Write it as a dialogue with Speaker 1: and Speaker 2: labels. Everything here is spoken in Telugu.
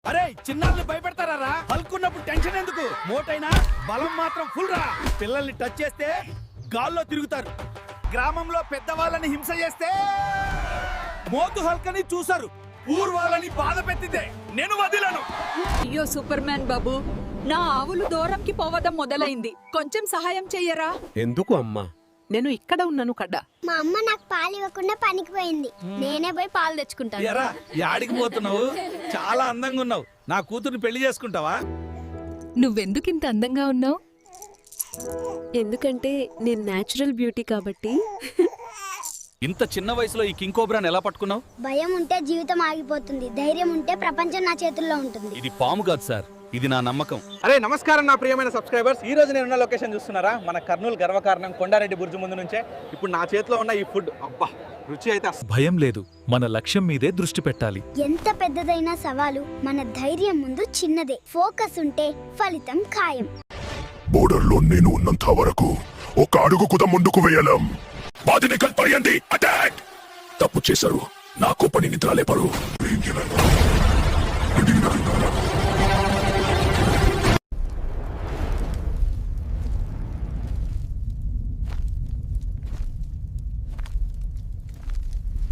Speaker 1: అరే చిన్నాళ్ళని భయపెడతారా? హల్కున్నప్పుడు టెన్షన్ ఎందుకు? మోటైనా బలం మాత్రం ఫుల్ రా. పిల్లల్ని టచ్ చేస్తే గాల్లో తిరుగుతారు. గ్రామంలో పెద్దవాళ్ళని హింస చేస్తే మోతు హల్కని చూసారు. ఊర్వాళ్ళని బాధ పెట్టితే నేను వదిలను.
Speaker 2: అయ్యో సూపర్ మ్యాన్ బాబు, నా ఆవులు దూరంకి పోవడం మొదలైంది. కొంచెం సహాయం చెయ్యరా?
Speaker 3: ఎందుకు అమ్మా?
Speaker 4: నేను ఇక్కడ ఉన్నాను కడ్డా.
Speaker 5: మా అమ్మ నాకు పాలు ఇవ్వకుండా పనికి పోయింది. నేనే పోయి పాలు తెచ్చుకుంటాను.
Speaker 1: ఎరా యాడికి పోతున్నావు? చాలా అందంగా ఉన్నావు. నా కూతుర్ని పెళ్లి చేసుకుంటావా?
Speaker 6: నువ్వెందుకింత అందంగా ఉన్నావు?
Speaker 7: ఎందుకంటే నేను నేచురల్ బ్యూటీ కాబట్టి.
Speaker 1: ఇంత చిన్న వయసులో ఈ కింగ్ కోబ్రాని ఎలా పట్టుకున్నావు?
Speaker 5: భయం ఉంటే జీవితం ఆగిపోతుంది, ధైర్యం ఉంటే ప్రపంచం నా చేతుల్లో ఉంటుంది.
Speaker 1: ఇది పాము కాదు సార్, ఇది నా నమ్మకం.
Speaker 3: అరే నమస్కారం నా ప్రియమైన సబ్స్క్రైబర్స్. ఈ రోజు నేనున్న లొకేషన్ చూస్తున్నారా? మన కర్నూలు గర్వకారణం కొండారెడ్డి బుర్జు ముందు నుంచే ఇప్పుడు నా చేతిలో ఉన్న ఈ ఫుడ్, అబ్బా రుచి అయితే
Speaker 8: భయం లేదు, మన లక్ష్యం మీదే దృష్టి పెట్టాలి.
Speaker 5: ఎంత పెద్దదైన సవాలు మన ధైర్యం ముందు చిన్నదే. ఫోకస్ ఉంటే ఫలితం ఖాయం.
Speaker 9: బోర్డర్లో నేను ఉన్నంత వరకు ఒక అడుగు కూడా ముందుకు వేయలేం. బాధిని కల్పరియండి, అటాక్! తప్పు చేశారు, నాకు పని నిద్ర లేపరు.